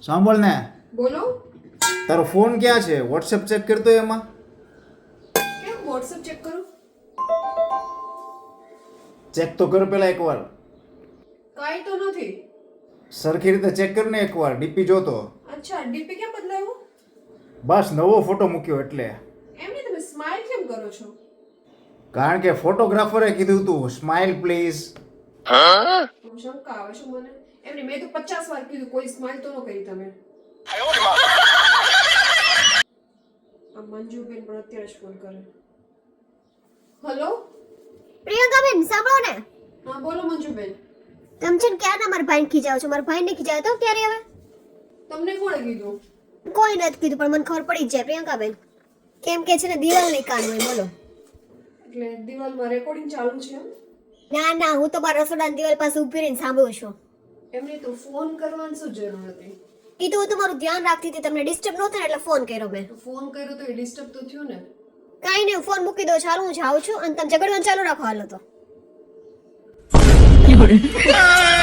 સાંભળ ને, બોલો. તારો ફોન ક્યાં છે? વોટ્સએપ ચેક કરતો એમાં. કેમ વોટ્સએપ ચેક કરું? ચેક તો કર પેલા એકવાર. કાંઈ તો નથી. સરખી રીતે ચેક કર ને એકવાર. ડીપી જોતો. અચ્છા, ડીપી કેમ બદલાયું? બસ નવો ફોટો મૂક્યો એટલે. એમને તમે સ્માઈલ કેમ કરો છો? કારણ કે ફોટોગ્રાફરે કીધું તું સ્માઇલ પ્લીઝ. શંકા આવે છે મને. એમને મેં તો 50 વાર કીધું, કોઈ સ્માઈલ તો ન કરી તમે. આ મંજુબેન પણ અત્યારે જ ફોન કરે. હેલો, પ્રિયંકાબેન સાંભળો ને. હા બોલો મંજુબેન. તમે છે ને ક્યારના મારા ભાઈને ખીજાવ છો? મારા ભાઈને ખીજાવ તો ક્યારે હવે? તમને કોણે કીધું? કોઈ નથી કીધું, પણ મને ખબર પડી જ જાય પ્રિયંકાબેન. કેમ કે છે ને દિવાલ નહીં કાન હોય. બોલો. એટલે દિવાલમાં રેકોર્ડિંગ ચાલુ છે એમ? ના ના, હું તો મારા રસોડાની દિવાલ પાસે ઊભી રહીને સાંભળું છું. એમને તો ફોન કરવાની શું જરૂર હતી? એ તો હું તમારું ધ્યાન રાખતી હતી, તમને ડિસ્ટર્બ ન થાય ને એટલે ફોન કર્યો મેં. તો ફોન કર્યો તો એ ડિસ્ટર્બ તો થયું ને. કાંઈ નહીં, ફોન મૂકી દો, ચાલો હું જાઉં છું અને તમે ઝઘડવાનું ચાલુ રાખો. હાલો તો.